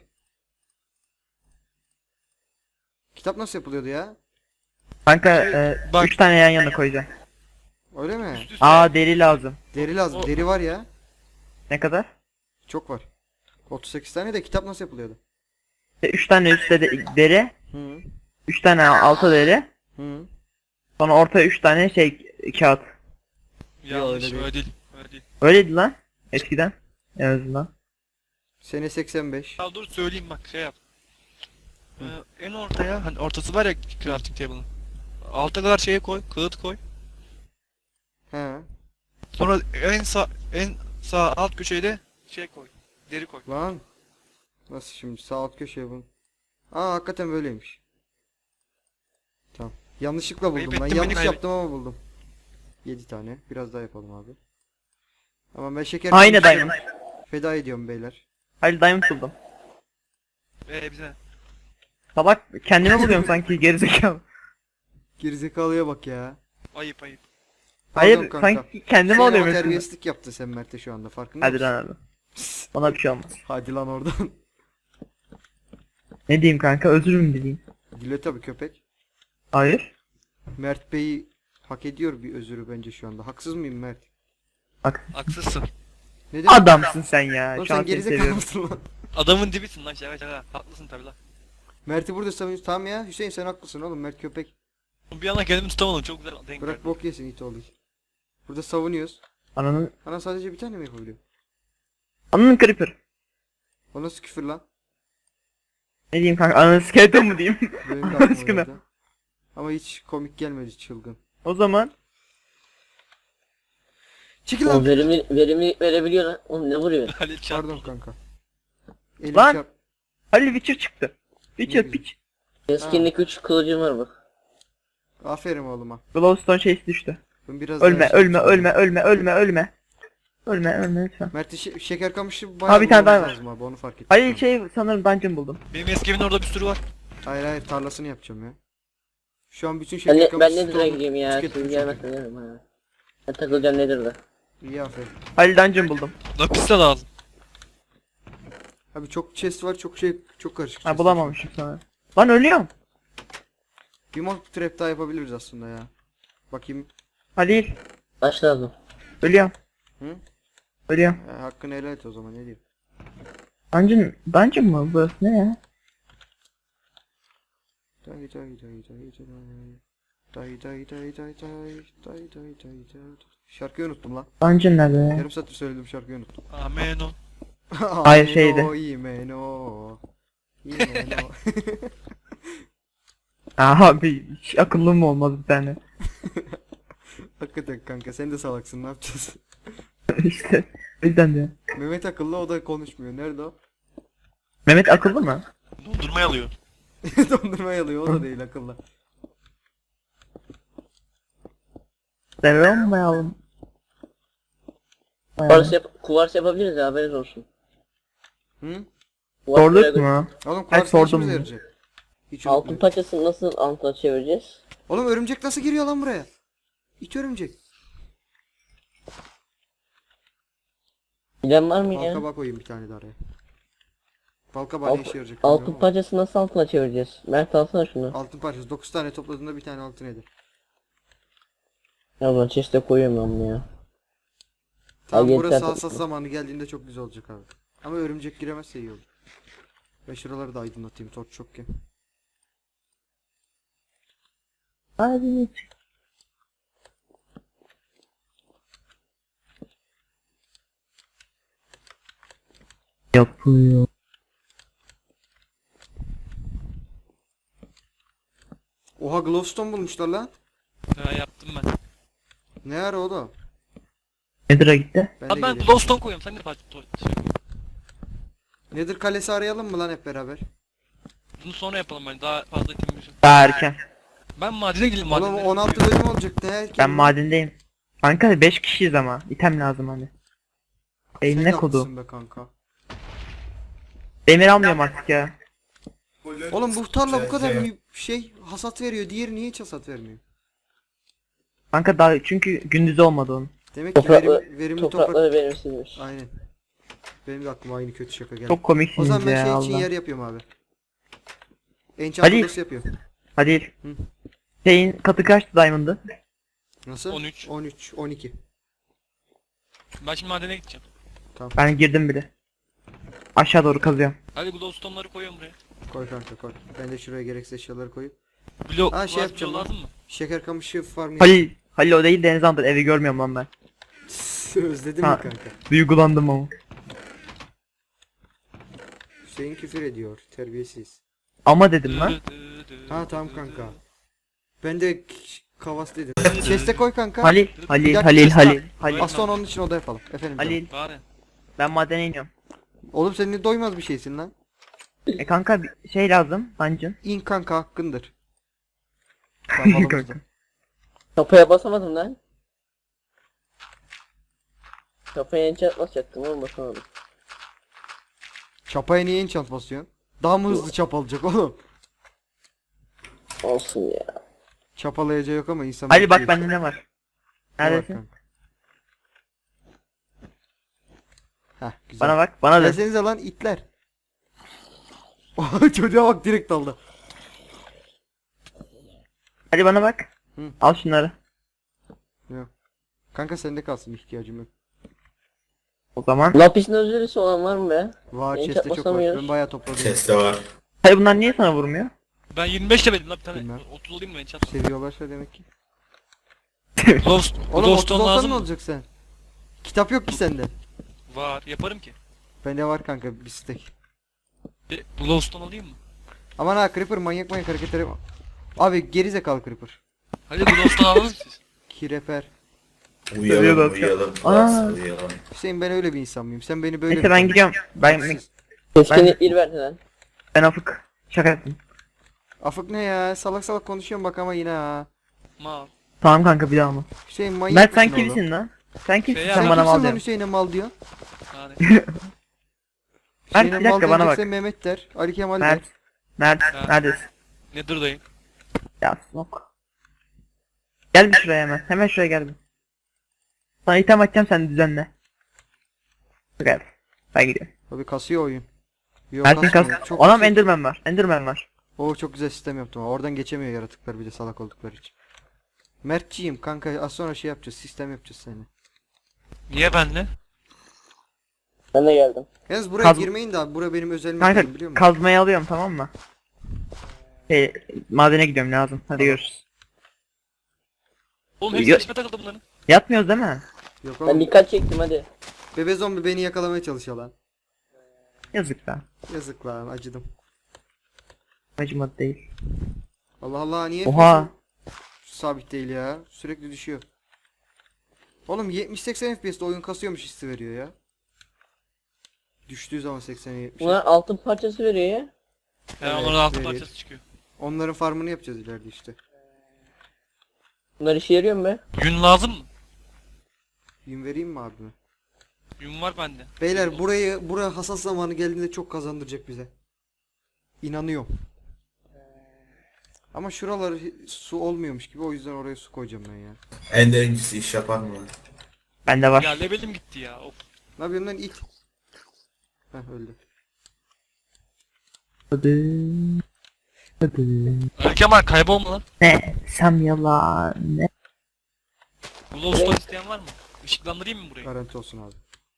[SPEAKER 1] Kitap nasıl yapılıyordu ya?
[SPEAKER 2] Kanka e,
[SPEAKER 3] bak.
[SPEAKER 2] üç tane yan yana koyacağım.
[SPEAKER 1] Öyle mi?
[SPEAKER 3] Üst üste.
[SPEAKER 2] Aa deri lazım.
[SPEAKER 1] Deri lazım.
[SPEAKER 3] O-
[SPEAKER 1] Deri var ya.
[SPEAKER 2] Ne kadar?
[SPEAKER 1] Çok var. otuz sekiz tane de kitap nasıl yapılıyordu?
[SPEAKER 2] İşte üç tane üstte de deri,
[SPEAKER 1] Hı.
[SPEAKER 2] üç tane alta deri,
[SPEAKER 1] Hı.
[SPEAKER 2] sonra ortaya üç tane şey kağıt.
[SPEAKER 3] Yanlış,
[SPEAKER 1] öyle
[SPEAKER 3] öyle
[SPEAKER 1] değil.
[SPEAKER 3] değil. Öyle değil.
[SPEAKER 2] Öyleydi lan eskiden en azından.
[SPEAKER 1] Sene seksen beş.
[SPEAKER 3] Ya dur söyleyeyim bak, şey yap. Ee, en ortaya, hani ortası var ya crafting table'ın. Alta kadar şeye koy, kağıt koy.
[SPEAKER 1] He.
[SPEAKER 3] Sonra en sağ en sağ alt köşeye de şey koy. Deri koy.
[SPEAKER 1] Lan. Nasıl şimdi sağ alt köşeye bunu. Aa hakikaten böyleymiş. Tamam. Yanlışlıkla buldum
[SPEAKER 3] Ayıp
[SPEAKER 1] ben.
[SPEAKER 3] ettin beni,
[SPEAKER 1] Yanlış
[SPEAKER 3] ayıp.
[SPEAKER 1] yaptım ama buldum. yedi tane. Biraz daha yapalım abi. Ama ben şeker
[SPEAKER 2] Aynı
[SPEAKER 1] kamışlarımı
[SPEAKER 2] diamond.
[SPEAKER 1] feda ediyorum beyler.
[SPEAKER 2] Hayır diamond buldum.
[SPEAKER 3] Ee bize.
[SPEAKER 2] Salak kendime buluyorum sanki gerizekalı.
[SPEAKER 1] Gerizekalıya bak ya.
[SPEAKER 3] Ayıp ayıp.
[SPEAKER 2] Hayır
[SPEAKER 1] Pardon kanka.
[SPEAKER 2] sanki kendime
[SPEAKER 1] Sen ama
[SPEAKER 2] alıyorum hepsini.
[SPEAKER 1] terbiyesizlik yaptı sen Mert'e şu anda farkında
[SPEAKER 2] Hadi
[SPEAKER 1] mısın?
[SPEAKER 2] lan abi. Ona bir şey olmaz.
[SPEAKER 1] Hadi lan oradan.
[SPEAKER 2] Ne diyeyim kanka özür mü dileyim?
[SPEAKER 1] Dile tabi köpek.
[SPEAKER 2] Hayır.
[SPEAKER 1] Mert Bey hak ediyor bir özürü bence şu anda. Haksız mıyım Mert?
[SPEAKER 2] Bak
[SPEAKER 3] Haksızsın.
[SPEAKER 1] Neden?
[SPEAKER 2] adamsın sen ya.
[SPEAKER 1] Oğlum
[SPEAKER 2] Şu an
[SPEAKER 1] sen
[SPEAKER 2] seni
[SPEAKER 1] gerizekalı
[SPEAKER 2] seviyorum.
[SPEAKER 1] mısın lan?
[SPEAKER 3] Adamın dibisin lan, şaka şaka. Haklısın tabi lan.
[SPEAKER 1] Mert'i burada savunuyorsun. Tamam ya Hüseyin sen haklısın oğlum. Mert köpek.
[SPEAKER 3] Bir yana kendimi tutamadım, çok güzel denk
[SPEAKER 1] Bırak
[SPEAKER 3] geldi.
[SPEAKER 1] bok yesin it oğlu. Burada savunuyoruz.
[SPEAKER 2] Ananın,
[SPEAKER 1] Ana sadece bir tane mi yapabiliyor?
[SPEAKER 2] ananın creeper.
[SPEAKER 1] O nasıl küfür lan?
[SPEAKER 2] Ne diyeyim kanka ananın skeleton mu diyeyim?
[SPEAKER 1] Benim de
[SPEAKER 2] Allah
[SPEAKER 1] aklıma
[SPEAKER 2] aşkına.
[SPEAKER 1] geldi. Ama hiç komik gelmedi çılgın.
[SPEAKER 2] O zaman
[SPEAKER 1] Çekil
[SPEAKER 4] O
[SPEAKER 1] lan.
[SPEAKER 4] verimi, verimi verebiliyor lan. Oğlum ne vuruyor?
[SPEAKER 3] Halil çarptı.
[SPEAKER 1] Pardon kanka. Elim
[SPEAKER 2] Lan.
[SPEAKER 1] çarp.
[SPEAKER 2] Halil Witcher çıktı. Witcher
[SPEAKER 1] güzel.
[SPEAKER 2] piç.
[SPEAKER 4] Keskinlik üç kılıcım var bak.
[SPEAKER 1] Aferin oğluma.
[SPEAKER 2] Glowstone şeysi düştü.
[SPEAKER 1] Ben biraz
[SPEAKER 2] Ölme
[SPEAKER 1] daha şey
[SPEAKER 2] ölme
[SPEAKER 1] yapacağım.
[SPEAKER 2] ölme ölme ölme ölme. Ölme ölme lütfen.
[SPEAKER 1] Mert'in şe- şeker kamışı bayağı
[SPEAKER 2] Aa, bir tane daha
[SPEAKER 1] bulmamız
[SPEAKER 2] var.
[SPEAKER 1] lazım abi onu fark ettim.
[SPEAKER 2] Halil şey sanırım dungeon buldum.
[SPEAKER 3] Benim eski evin orada bir sürü var.
[SPEAKER 1] Hayır hayır tarlasını yapacağım ya. Şu an bütün
[SPEAKER 4] Ben,
[SPEAKER 1] şeker
[SPEAKER 4] ne,
[SPEAKER 1] kamışı
[SPEAKER 4] ben Nether'a
[SPEAKER 1] stoğunu
[SPEAKER 4] gideyim ya.
[SPEAKER 1] tükettim
[SPEAKER 4] Siz
[SPEAKER 1] çünkü.
[SPEAKER 4] gelmezsen gelirim ha. Ben takılacağım Nether'da.
[SPEAKER 1] İyi aferin.
[SPEAKER 2] Halil dungeon buldum.
[SPEAKER 3] Lapis de lazım.
[SPEAKER 1] Abi çok chest var çok şey çok karışık.
[SPEAKER 2] Ha
[SPEAKER 1] chest
[SPEAKER 2] bulamamışım sana. Lan ölüyorum.
[SPEAKER 1] var. Bir mob trap daha yapabiliriz aslında ya. Bakayım.
[SPEAKER 2] Halil
[SPEAKER 4] Taş lazım.
[SPEAKER 2] ölüyorum.
[SPEAKER 1] Hı?
[SPEAKER 2] Ölüyorum.
[SPEAKER 1] Ya, hakkını helal et o zaman ne diyeyim.
[SPEAKER 2] Dungeon, dungeon mu burası ne ya?
[SPEAKER 1] Day day day day day. Day day day day day day day day day. Şarkıyı unuttum lan.
[SPEAKER 2] Dungeon nerede ya?
[SPEAKER 1] Yarım saattir söyledim şarkıyı unuttum.
[SPEAKER 3] Amen o.
[SPEAKER 2] Hayır, şeydi.
[SPEAKER 1] Imeno, imeno. İmeno.
[SPEAKER 2] Aa abi hiç akıllı mı olmaz bir tane.
[SPEAKER 1] Hakikaten kanka sen de salaksın ne yapacağız?
[SPEAKER 2] İşte o yüzden de.
[SPEAKER 1] Mehmet akıllı o da konuşmuyor. Nerede o?
[SPEAKER 2] Mehmet akıllı mı?
[SPEAKER 3] Dondurma alıyor.
[SPEAKER 1] Dondurma yalıyor o da değil akıllı.
[SPEAKER 2] Sevemeyelim.
[SPEAKER 4] Kuvars, yap kuvars yapabiliriz ya, haberiniz olsun.
[SPEAKER 1] Hı?
[SPEAKER 4] Kuvars
[SPEAKER 2] Sorduk
[SPEAKER 4] böyle-
[SPEAKER 2] mu?
[SPEAKER 1] Oğlum
[SPEAKER 2] Ay,
[SPEAKER 1] kuvars ne
[SPEAKER 2] sordum
[SPEAKER 1] işimize
[SPEAKER 2] mu?
[SPEAKER 1] yarayacak? Hiç
[SPEAKER 4] Altın
[SPEAKER 1] unutmayın.
[SPEAKER 4] parçasını nasıl antla çevireceğiz?
[SPEAKER 1] Oğlum örümcek nasıl giriyor lan buraya? İt örümcek.
[SPEAKER 4] Bilen var mı ya?
[SPEAKER 1] Balkabak koyayım bir tane de araya. Balkabak ne
[SPEAKER 4] Alt,
[SPEAKER 1] işe yarayacak?
[SPEAKER 4] altın
[SPEAKER 1] bilmiyorum
[SPEAKER 4] parçasını nasıl altına çevireceğiz? Mert alsana şunu.
[SPEAKER 1] ama. Altın parçası. dokuz tane topladığında bir tane altın eder.
[SPEAKER 4] Ya ben chest'e koyuyorum ben bunu ya.
[SPEAKER 1] Tamam
[SPEAKER 4] yedi
[SPEAKER 1] burası
[SPEAKER 4] tane
[SPEAKER 1] hassas
[SPEAKER 4] topladım.
[SPEAKER 1] zamanı geldiğinde çok güzel olacak abi. Ama örümcek giremezse iyi olur. Ben şuraları da aydınlatayım torç çokken.
[SPEAKER 2] Hadi. Yapıyor.
[SPEAKER 1] Oha glowstone bulmuşlar lan.
[SPEAKER 3] Ha, yaptım ben.
[SPEAKER 1] Ne ara o da?
[SPEAKER 2] Nedir'a gitti?
[SPEAKER 1] Ben de
[SPEAKER 3] Abi ben
[SPEAKER 1] geleyim.
[SPEAKER 3] glowstone koyuyorum. Sen de parça şey.
[SPEAKER 1] Nedir kalesi arayalım mı lan hep beraber?
[SPEAKER 3] Bunu sonra yapalım ben. Daha fazla itemimiz yok.
[SPEAKER 2] Daha erken.
[SPEAKER 3] Ben madene gideyim
[SPEAKER 1] Oğlum
[SPEAKER 3] madene.
[SPEAKER 1] on altı bölüm olacak ne erken
[SPEAKER 2] Ben
[SPEAKER 1] lan?
[SPEAKER 2] madendeyim. Kanka beş kişiyiz ama. İtem lazım hani.
[SPEAKER 1] Sen
[SPEAKER 2] Eline kodu.
[SPEAKER 1] haklısın be kanka.
[SPEAKER 2] Demir almıyorum artık ya.
[SPEAKER 1] Oğlum bu tarla bu
[SPEAKER 5] Şey-
[SPEAKER 1] kadar
[SPEAKER 5] şey-
[SPEAKER 1] mü- şey hasat veriyor. Diğeri niye hiç hasat vermiyor?
[SPEAKER 2] Kanka daha çünkü gündüz olmadı onun.
[SPEAKER 1] Demek ki
[SPEAKER 4] Toprakla,
[SPEAKER 1] verim, verimli toprak.
[SPEAKER 4] toprakları verimsizmiş.
[SPEAKER 1] Aynen. Benim de aklıma aynı kötü şaka geldi.
[SPEAKER 2] Çok
[SPEAKER 1] O
[SPEAKER 2] komiksiniz
[SPEAKER 1] zaman ben
[SPEAKER 2] ya
[SPEAKER 1] şey için
[SPEAKER 2] Allah.
[SPEAKER 1] yer yapıyorum abi. Enchant
[SPEAKER 2] Hadi.
[SPEAKER 1] odası yapıyorum.
[SPEAKER 2] Hadi.
[SPEAKER 1] Hı.
[SPEAKER 2] Şeyin katı kaçtı Diamond'ı?
[SPEAKER 1] Nasıl?
[SPEAKER 3] on üç.
[SPEAKER 1] on üç, on iki.
[SPEAKER 3] Ben şimdi madene gideceğim.
[SPEAKER 2] Ben girdim bile. Aşağı doğru kazıyorum.
[SPEAKER 3] Hadi glowstone'ları koyuyorum buraya.
[SPEAKER 1] Koy kanka koy. Ben de şuraya gereksiz eşyaları koyup.
[SPEAKER 3] Blok,
[SPEAKER 1] Ha, şey
[SPEAKER 3] var,
[SPEAKER 1] yapacağım
[SPEAKER 3] blok
[SPEAKER 1] lan.
[SPEAKER 3] lazım mı?
[SPEAKER 1] Şeker kamışı farmı
[SPEAKER 2] Halil. Halil o değil Deniz Andır. Evi görmüyorum lan ben.
[SPEAKER 1] Özledim
[SPEAKER 2] Ha.
[SPEAKER 1] mi kanka?
[SPEAKER 2] Duygulandım ama.
[SPEAKER 1] Hüseyin küfür ediyor. Terbiyesiz.
[SPEAKER 2] Ama dedim lan.
[SPEAKER 1] Ha tamam kanka. Ben de k- kavas dedim. Chest'e koy kanka.
[SPEAKER 2] Halil.
[SPEAKER 1] Bir
[SPEAKER 2] Halil.
[SPEAKER 1] dakika,
[SPEAKER 2] Halil.
[SPEAKER 1] chest'e
[SPEAKER 2] Halil.
[SPEAKER 1] at.
[SPEAKER 2] Halil.
[SPEAKER 1] Az sonra onun için oda yapalım. Efendim canım.
[SPEAKER 2] Halil.
[SPEAKER 3] Bari.
[SPEAKER 2] Ben madene iniyorum.
[SPEAKER 1] Oğlum sen ne doymaz bir şeysin lan.
[SPEAKER 2] E kanka bir şey lazım. Dungeon.
[SPEAKER 1] İn kanka hakkındır. Tamam,
[SPEAKER 2] Kanka.
[SPEAKER 4] Kafaya basamadım lan. Kafaya enchant basacaktım oğlum basamadım.
[SPEAKER 1] Çapaya niye enchant basıyorsun? Daha mı hızlı çap alacak oğlum?
[SPEAKER 4] Olsun ya.
[SPEAKER 1] Çapalayacağı yok ama insan...
[SPEAKER 2] Halil bak
[SPEAKER 1] bekliyor.
[SPEAKER 2] bende ne var?
[SPEAKER 1] Ne var
[SPEAKER 2] Neredesin?
[SPEAKER 1] kanka? Heh güzel.
[SPEAKER 2] Bana bak. Bana da.
[SPEAKER 1] Gelsenize lan itler. Oha, çocuğa bak direkt daldı.
[SPEAKER 2] Hadi bana bak.
[SPEAKER 1] Hı.
[SPEAKER 2] Al şunları.
[SPEAKER 1] Yok. Kanka sende kalsın ihtiyacım yok.
[SPEAKER 2] O zaman.
[SPEAKER 4] Lapis'in özürlüsü olan var mı be?
[SPEAKER 1] Var
[SPEAKER 4] Enchant
[SPEAKER 1] chest'te çok var.
[SPEAKER 4] basamıyoruz.
[SPEAKER 1] Ben bayağı topladım.
[SPEAKER 5] Chest'te var.
[SPEAKER 2] Hayır bunlar niye sana vurmuyor?
[SPEAKER 3] Ben yirmi beş levelim lan bir tane.
[SPEAKER 1] Bilmem.
[SPEAKER 3] otuz olayım mı ben çat?
[SPEAKER 1] Seviyorlarsa demek ki.
[SPEAKER 3] Glowst-
[SPEAKER 1] Oğlum otuz
[SPEAKER 3] Glowstone
[SPEAKER 1] olsan
[SPEAKER 3] lazım
[SPEAKER 1] ne
[SPEAKER 3] mı?
[SPEAKER 1] olacak sen? Kitap yok ki sende.
[SPEAKER 3] Var. Yaparım ki.
[SPEAKER 1] Bende var kanka bir stack.
[SPEAKER 3] E, glowstone alayım mı?
[SPEAKER 1] Aman ha Creeper manyak manyak hareketleri yapma. Abi gerizekalı Creeper.
[SPEAKER 3] Hadi glowstone alalım siz.
[SPEAKER 1] Kireper.
[SPEAKER 2] Seviyor
[SPEAKER 5] Uyuyalım
[SPEAKER 2] bak.
[SPEAKER 5] uyuyalım.
[SPEAKER 2] Aa.
[SPEAKER 5] Aa. Uyuyalım.
[SPEAKER 1] Hüseyin ben öyle bir insan mıyım? Sen beni böyle
[SPEAKER 2] Neyse
[SPEAKER 1] mi
[SPEAKER 2] ben
[SPEAKER 1] tanıyorsun?
[SPEAKER 2] gidiyorum. Ben
[SPEAKER 4] Keskinlikleri verdi lan.
[SPEAKER 2] ben afık. Şaka yaptım.
[SPEAKER 1] Afık ne ya? Salak salak konuşuyorum bak ama yine ha.
[SPEAKER 3] Mal.
[SPEAKER 2] Tamam kanka bir daha mı?
[SPEAKER 1] Hüseyin manyak
[SPEAKER 2] Mert sen
[SPEAKER 1] mısın oğlum?
[SPEAKER 2] kimsin lan? Sen kimsin
[SPEAKER 3] Şey
[SPEAKER 2] sen
[SPEAKER 3] ya,
[SPEAKER 2] bana
[SPEAKER 1] Kimsin
[SPEAKER 2] mal
[SPEAKER 1] lan
[SPEAKER 2] diyorsun.
[SPEAKER 1] Hüseyin'e mal diyor?
[SPEAKER 3] Hadi.
[SPEAKER 2] Mert,
[SPEAKER 1] Hüseyin'e
[SPEAKER 2] bir dakika,
[SPEAKER 1] mal
[SPEAKER 2] bana
[SPEAKER 1] diyecekse
[SPEAKER 2] bak.
[SPEAKER 1] Mehmet der. Ali Kemal
[SPEAKER 2] Mert.
[SPEAKER 1] der.
[SPEAKER 2] Mert
[SPEAKER 3] Ha.
[SPEAKER 2] neredesin?
[SPEAKER 3] Nether'dayım.
[SPEAKER 2] Ya snok. Gel bir şuraya hemen. Hemen şuraya gel bir. Sana item atacağım sen düzenle. Gel. Ben gidiyorum.
[SPEAKER 1] Abi kasıyor oyun. Yok
[SPEAKER 2] Mert'in kas.
[SPEAKER 1] kasmıyor. Çok
[SPEAKER 2] Anam
[SPEAKER 1] kasıyor.
[SPEAKER 2] Enderman var. Enderman var.
[SPEAKER 1] Oo çok güzel sistem yaptım. ha. Oradan geçemiyor yaratıklar bir de salak oldukları için. Mertçiyim kanka az sonra şey yapacağız. Sistem yapacağız seni.
[SPEAKER 3] Niye benle?
[SPEAKER 4] Ben de geldim.
[SPEAKER 1] Yalnız buraya
[SPEAKER 2] Kaz-
[SPEAKER 1] girmeyin de abi. Bura benim özel mekanım
[SPEAKER 2] Kanka
[SPEAKER 1] biliyor musun?
[SPEAKER 2] kazmayı alıyorum tamam mı? Şey, madene gidiyorum lazım. Hadi görüşürüz.
[SPEAKER 3] Oğlum hepsi
[SPEAKER 2] Yo-
[SPEAKER 3] peşime takıldı bunların.
[SPEAKER 2] Yatmıyoruz değil mi?
[SPEAKER 1] Yok
[SPEAKER 4] Ben
[SPEAKER 1] oğlum.
[SPEAKER 4] dikkat çektim hadi.
[SPEAKER 1] Bebe zombi beni yakalamaya çalışıyor lan.
[SPEAKER 2] Yazık lan.
[SPEAKER 1] Yazık lan acıdım.
[SPEAKER 2] Acımadı değil.
[SPEAKER 1] Allah Allah niye
[SPEAKER 2] Oha.
[SPEAKER 1] F P S sabit değil ya. Sürekli düşüyor. Oğlum yetmiş seksen F P S'te oyun kasıyormuş hissi veriyor ya. Düştüğü zaman seksene yetmiş.
[SPEAKER 4] Bunlar altın parçası veriyor ya.
[SPEAKER 3] Ya
[SPEAKER 1] Evet,
[SPEAKER 3] onların altı
[SPEAKER 1] verir.
[SPEAKER 3] parçası çıkıyor.
[SPEAKER 1] Onların farmını yapacağız ileride işte.
[SPEAKER 4] Bunlar işe yarıyor mu be?
[SPEAKER 3] Yün lazım mı?
[SPEAKER 1] Yün vereyim mi abime?
[SPEAKER 3] Yün var bende.
[SPEAKER 1] Beyler burayı buraya hassas zamanı geldiğinde çok kazandıracak bize. İnanıyorum. Ama şuraları hi- su olmuyormuş gibi, o yüzden oraya su koyacağım ben ya.
[SPEAKER 5] Enderincisi iş yapar mı lan?
[SPEAKER 2] Bende var.
[SPEAKER 3] Ya levelim gitti ya. Of.
[SPEAKER 1] Ne yapıyorsun lan it? Heh öldü.
[SPEAKER 2] Hadi. Hadi.
[SPEAKER 3] Ali Kemal kaybolma lan.
[SPEAKER 2] Ne? Sam yalan. Ne?
[SPEAKER 3] Glowstone isteyen var mı? Işıklandırayım mı burayı?
[SPEAKER 1] Garanti olsun abi.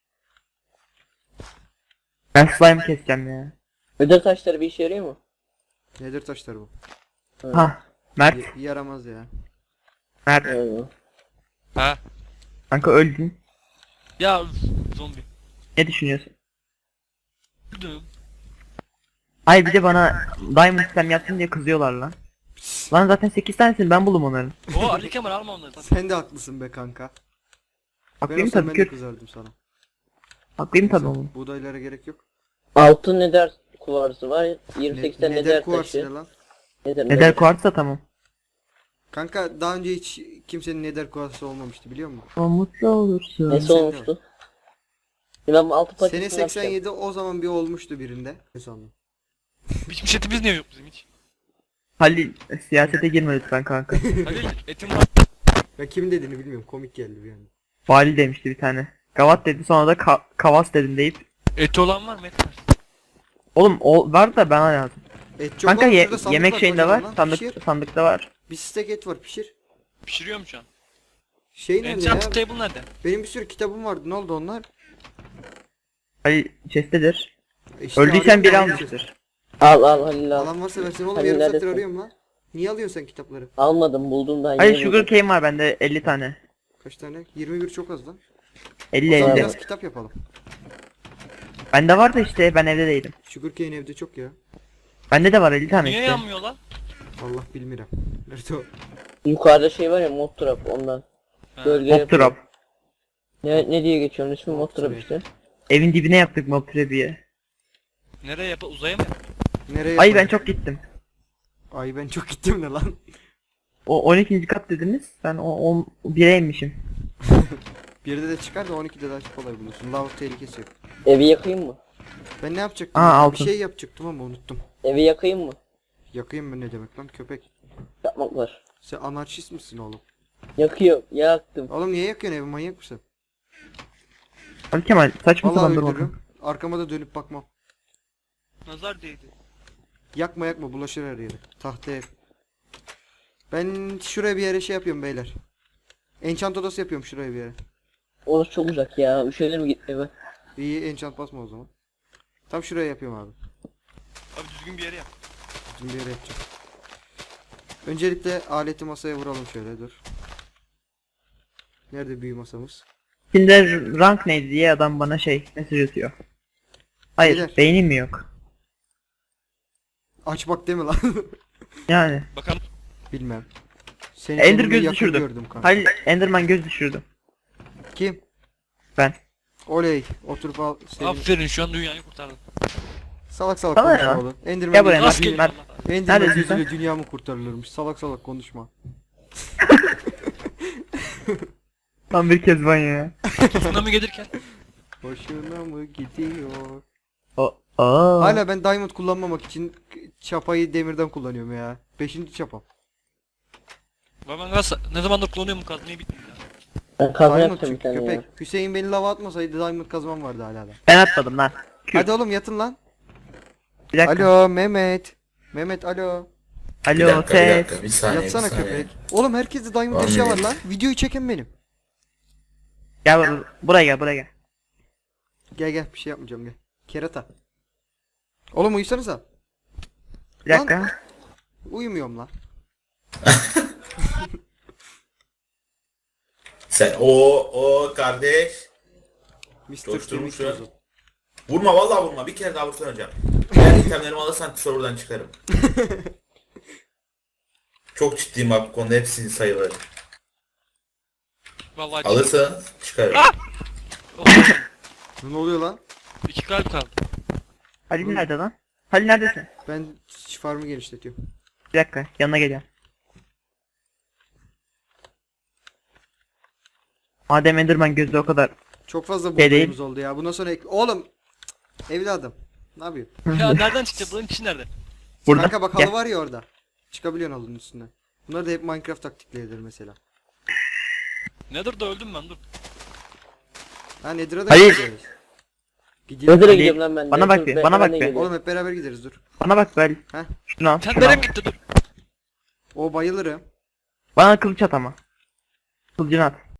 [SPEAKER 2] Ben slime keseceğim ya.
[SPEAKER 4] Ödül taşları bir işe yarıyor mu?
[SPEAKER 1] Nedir taşları bu?
[SPEAKER 2] Ha. Mert.
[SPEAKER 1] Y- yaramaz ya.
[SPEAKER 2] Mert.
[SPEAKER 4] Yani.
[SPEAKER 3] Ha?
[SPEAKER 2] Kanka öldün.
[SPEAKER 3] Ya üf, zombi.
[SPEAKER 2] Ne düşünüyorsun?
[SPEAKER 3] Öldüm.
[SPEAKER 2] Ay bir de bana diamond slime yaptın diye kızıyorlar lan. Lan zaten sekiz tanesini ben buldum onların.
[SPEAKER 3] O Ali Kemal alma onları. Tabii.
[SPEAKER 1] Sen de haklısın be kanka. Ben
[SPEAKER 2] Haklıyım
[SPEAKER 1] olsam
[SPEAKER 2] tabii
[SPEAKER 1] ben de
[SPEAKER 2] ki.
[SPEAKER 1] kızardım sana.
[SPEAKER 2] Haklıyım tabii oğlum.
[SPEAKER 1] Buğdaylara gerek yok.
[SPEAKER 4] Altın neder kuvarsı var. yirmi sekiz tane
[SPEAKER 1] neder
[SPEAKER 4] neder
[SPEAKER 1] kuvarsı
[SPEAKER 4] taşı.
[SPEAKER 1] ne lan?
[SPEAKER 4] Neder,
[SPEAKER 2] Neder kuartsa tamam.
[SPEAKER 1] Kanka daha önce hiç kimsenin neder kuvarsı olmamıştı biliyor musun?
[SPEAKER 2] O mutlu olursun.
[SPEAKER 4] Nesi
[SPEAKER 1] Sen de
[SPEAKER 4] olmuştu? Ya ben altı paketini
[SPEAKER 1] Sene
[SPEAKER 4] yapacağım.
[SPEAKER 1] seksen yedi o zaman bir olmuştu birinde. Ne sandın?
[SPEAKER 3] Hiçbir setimiz niye yok bizim hiç?
[SPEAKER 2] Halil siyasete girme lütfen kanka.
[SPEAKER 3] Halil etim var.
[SPEAKER 1] Ya kimin dediğini bilmiyorum, komik geldi bir anda.
[SPEAKER 2] Vali demişti bir tane. Gavat dedi sonra da ka- kavas dedim deyip.
[SPEAKER 3] Eti olan var mı? Et var.
[SPEAKER 2] Oğlum o var da bana lazım.
[SPEAKER 1] Et çok
[SPEAKER 2] Kanka
[SPEAKER 1] var,
[SPEAKER 2] ye-
[SPEAKER 1] şurada sandık
[SPEAKER 2] yemek şeyinde var.
[SPEAKER 1] kocaman lan,
[SPEAKER 2] Sandık
[SPEAKER 1] pişir.
[SPEAKER 2] sandıkta var.
[SPEAKER 1] Bir stek et var, pişir.
[SPEAKER 3] Pişiriyorum şu an.
[SPEAKER 1] Şey nerede ya?
[SPEAKER 3] Enchant table nerede?
[SPEAKER 1] Benim bir sürü kitabım vardı, ne oldu onlar?
[SPEAKER 2] Halil chest'tedir.
[SPEAKER 1] E işte
[SPEAKER 2] Öldüysen biri
[SPEAKER 1] arıyorum,
[SPEAKER 2] almıştır.
[SPEAKER 4] Al al Halil al.
[SPEAKER 1] Alan varsa versin oğlum,
[SPEAKER 4] Hani
[SPEAKER 1] yarım saattir
[SPEAKER 4] neredesin?
[SPEAKER 1] arıyorum lan. Niye alıyorsun sen kitapları?
[SPEAKER 4] Almadım buldum daha
[SPEAKER 2] Halil
[SPEAKER 4] yeni
[SPEAKER 2] sugar
[SPEAKER 4] buldum.
[SPEAKER 2] cane var bende elli tane.
[SPEAKER 1] Kaç tane? yirmi bir çok az lan.
[SPEAKER 2] elli
[SPEAKER 1] O zaman
[SPEAKER 2] elli.
[SPEAKER 1] biraz kitap yapalım.
[SPEAKER 2] Bende var da işte ben evde değilim.
[SPEAKER 1] Sugarcane evde çok ya.
[SPEAKER 2] Bende de var elli tane
[SPEAKER 3] Niye
[SPEAKER 2] işte.
[SPEAKER 3] yanmıyor lan?
[SPEAKER 1] Allah bilmiyorum. Nerede o?
[SPEAKER 4] Yukarıda şey var ya mod trap ondan.
[SPEAKER 3] Ha.
[SPEAKER 4] Gölge
[SPEAKER 2] Mob
[SPEAKER 4] yapıyor.
[SPEAKER 2] trap.
[SPEAKER 4] Ne, ne diye geçiyor onun ismi mod trap
[SPEAKER 1] trap.
[SPEAKER 4] işte.
[SPEAKER 2] Evin dibine yaptık mob trap'iyi.
[SPEAKER 3] Nereye yap? Uzaya mı yap?
[SPEAKER 1] Nereye?
[SPEAKER 2] Ay ben
[SPEAKER 1] yapalım?
[SPEAKER 2] çok gittim.
[SPEAKER 1] Ay ben çok gittim ne lan?
[SPEAKER 2] O on ikinci kat dediniz. Ben o on bire inmişim.
[SPEAKER 1] birde de çıkar da on ikide daha kolay bulursun. Lav tehlikesi yok.
[SPEAKER 4] Evi yakayım mı?
[SPEAKER 1] Ben ne yapacaktım?
[SPEAKER 2] Aa,
[SPEAKER 1] ya?
[SPEAKER 2] altın.
[SPEAKER 1] Bir şey yapacaktım ama unuttum.
[SPEAKER 4] Evi yakayım mı?
[SPEAKER 1] Yakayım mı ne demek lan köpek?
[SPEAKER 4] Yapmak var.
[SPEAKER 1] Sen anarşist misin oğlum?
[SPEAKER 4] Yakıyor. Yaktım.
[SPEAKER 1] Oğlum niye yakıyorsun evi, manyak mısın?
[SPEAKER 2] Ali Kemal saçma
[SPEAKER 1] Vallahi
[SPEAKER 2] sapan durma.
[SPEAKER 1] öldürürüm. Arkama da dönüp bakmam.
[SPEAKER 3] Nazar değdi.
[SPEAKER 1] Yakma yakma, bulaşır her yere. Tahta ev. Ben şuraya bir yere şey yapıyorum beyler. Enchant odası yapıyorum şuraya bir yere.
[SPEAKER 4] Orası çok uzak ya. Üşenir mi git eve?
[SPEAKER 1] İyi, enchant basma o zaman. Tam şuraya yapıyorum abi.
[SPEAKER 3] Abi düzgün bir yere yap.
[SPEAKER 1] Düzgün bir yere yapacağım. Öncelikle aleti masaya vuralım şöyle, dur. Nerede büyü masamız?
[SPEAKER 2] Şimdi rank neydi diye adam bana şey mesaj atıyor. Hayır
[SPEAKER 1] Beyler.
[SPEAKER 2] beynim mi yok?
[SPEAKER 1] Aç bak deme lan.
[SPEAKER 2] Yani.
[SPEAKER 3] Bakalım.
[SPEAKER 1] Bilmem. Seni
[SPEAKER 2] Ender
[SPEAKER 1] sonunda
[SPEAKER 2] göz
[SPEAKER 1] yakın
[SPEAKER 2] düşürdüm.
[SPEAKER 1] gördüm kanka.
[SPEAKER 2] Halil Enderman göz düşürdü.
[SPEAKER 1] Kim?
[SPEAKER 2] Ben.
[SPEAKER 1] Oley. Oturup al. Sevin.
[SPEAKER 3] Aferin şu an dünyayı kurtardın.
[SPEAKER 1] Salak salak
[SPEAKER 2] Sana
[SPEAKER 1] konuşma
[SPEAKER 2] ya.
[SPEAKER 1] oğlum. Enderman,
[SPEAKER 2] Gel buraya,
[SPEAKER 1] gözü-
[SPEAKER 3] Nasıl
[SPEAKER 2] Mert,
[SPEAKER 3] geliyor
[SPEAKER 2] Mert.
[SPEAKER 3] Allah?
[SPEAKER 1] Enderman
[SPEAKER 2] Neredesin
[SPEAKER 1] gözüyle dünya mı kurtarılırmış? Salak salak konuşma.
[SPEAKER 2] Tam bir kezban ya.
[SPEAKER 3] Tsunami gelirken.
[SPEAKER 1] Hoşuna mı gidiyor?
[SPEAKER 2] O aa.
[SPEAKER 1] Hala ben diamond kullanmamak için çapayı demirden kullanıyorum ya. Beşinci çapam.
[SPEAKER 3] Ben ben gaz ne zamandır kullanıyorum bu kazmayı bitmiyor ya.
[SPEAKER 4] Ben kazma
[SPEAKER 1] Diamond
[SPEAKER 4] yapacağım bir
[SPEAKER 1] çünkü
[SPEAKER 4] tane ya.
[SPEAKER 1] köpek. Hüseyin beni lava atmasaydı diamond kazmam vardı hala da.
[SPEAKER 2] Ben atmadım lan. Q.
[SPEAKER 1] Hadi oğlum yatın lan.
[SPEAKER 2] Bir dakika.
[SPEAKER 1] Alo Mehmet. Mehmet alo.
[SPEAKER 5] Bir
[SPEAKER 2] Alo
[SPEAKER 5] dakika bir
[SPEAKER 2] ses.
[SPEAKER 5] dakika bir saniye
[SPEAKER 1] Yatsana
[SPEAKER 5] bir saniye.
[SPEAKER 1] köpek. Oğlum herkeste diamond
[SPEAKER 5] Var
[SPEAKER 1] eşya
[SPEAKER 5] mı?
[SPEAKER 1] var lan. Videoyu çeken benim.
[SPEAKER 2] Gel bur- buraya gel buraya gel.
[SPEAKER 1] Gel gel, bir şey yapmayacağım gel. Kerata. Oğlum uyusanıza.
[SPEAKER 2] Bir dakika.
[SPEAKER 1] Uyumuyorum lan.
[SPEAKER 5] Sen o o kardeş.
[SPEAKER 1] mister
[SPEAKER 5] Coşturmuş
[SPEAKER 1] Kemik
[SPEAKER 5] ya.
[SPEAKER 1] tozu.
[SPEAKER 5] Vurma vallahi vurma. Bir kere daha vursan hocam. Eğer itemlerimi alırsan serverdan çıkarım. Çok ciddiyim bak bu konuda, hepsini sayıları.
[SPEAKER 3] Vallahi
[SPEAKER 5] Alırsan çıkarım.
[SPEAKER 3] Ah! Oh,
[SPEAKER 1] Ne oluyor lan?
[SPEAKER 3] iki kalp kaldı.
[SPEAKER 2] Halil nerede lan? Halil neredesin?
[SPEAKER 1] Ben farmı genişletiyorum.
[SPEAKER 2] Bir dakika yanına geliyorum. Madem Enderman gözü o kadar.
[SPEAKER 1] Çok fazla
[SPEAKER 2] Şey değil.
[SPEAKER 1] buğdayımız oldu ya. Bundan sonra ek... Oğlum. Cık, evladım. Ne yapıyorsun?
[SPEAKER 3] Ya nereden çıkacak? Bunun içi nerede?
[SPEAKER 2] Burada.
[SPEAKER 1] Kanka bak
[SPEAKER 2] Gel.
[SPEAKER 1] halı var ya orada. çıkabiliyorsun halının üstüne. Bunlar da hep Minecraft taktikleridir mesela.
[SPEAKER 3] Nedir da öldüm ben dur.
[SPEAKER 1] Ha Nether'a da
[SPEAKER 2] Hayır.
[SPEAKER 1] gideriz. Gidiyoruz.
[SPEAKER 4] Nether'a
[SPEAKER 2] Ali,
[SPEAKER 4] gidiyorum lan ben.
[SPEAKER 2] bana bak
[SPEAKER 4] Nether-
[SPEAKER 2] bir,
[SPEAKER 4] ben-
[SPEAKER 2] bana
[SPEAKER 4] ben
[SPEAKER 2] bak
[SPEAKER 4] de
[SPEAKER 2] bir.
[SPEAKER 4] geliyorum.
[SPEAKER 1] Oğlum hep beraber gideriz dur.
[SPEAKER 2] Bana bak Bel.
[SPEAKER 1] Heh.
[SPEAKER 2] Şunu al.
[SPEAKER 3] Sen
[SPEAKER 2] Şunu al.
[SPEAKER 3] nereye gitti dur.
[SPEAKER 1] O bayılırım.
[SPEAKER 2] Bana kılıç at ama. Kılıcını at.